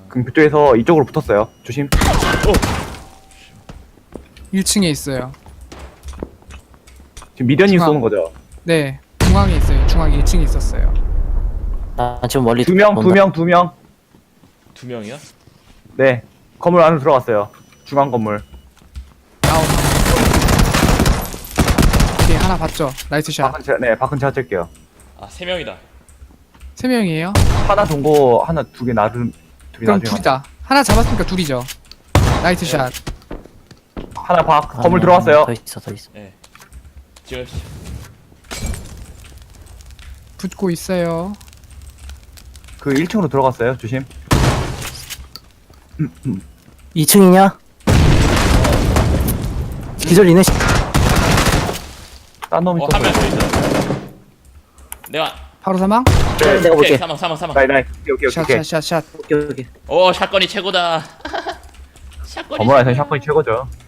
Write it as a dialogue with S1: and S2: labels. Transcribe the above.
S1: 그럼 그쪽에서 이쪽으로 붙었어요. 조심.
S2: 1층에 있어요.
S1: 지금 미련님
S2: 중앙.
S1: 쏘는 거죠?
S2: 네, 중앙에 있어요. 중앙 1층에 있었어요.
S3: 나 지금 멀리
S1: 두 명.
S4: 두 명이야?
S1: 네. 건물 안으로 들어갔어요. 중앙 건물.
S2: 나오나. 오케이, 하나 봤죠? 나이스 샷.
S1: 밖은 제가 찰게요.
S4: 아, 세 명이다.
S2: 3명이에요?
S1: 하나 동고, 하나 두 개 나름, 둘이
S2: 그럼
S1: 나중에.
S2: 둘이다. 하나 잡았으니까 둘이죠. 나이스 샷.
S1: 하나 건물 들어갔어요.
S3: 더 있어.
S4: 예. 찍읍시다.
S2: 붙고 있어요.
S1: 그 1층으로 들어갔어요. 조심.
S3: 2층이냐? 기절이네.
S1: 딴 놈이
S4: 한 명
S1: 쏘어요.
S4: 더 있어. 내가
S2: 바로 사망?
S3: 내가
S4: 오케이,
S3: 볼게.
S4: 사망.
S1: 나이. 오케이.
S2: 샷.
S3: 오케이.
S4: 오, 샷건이 최고다. 샷건이
S1: 건물 안에서
S4: 최고야.
S1: 샷건이 최고죠.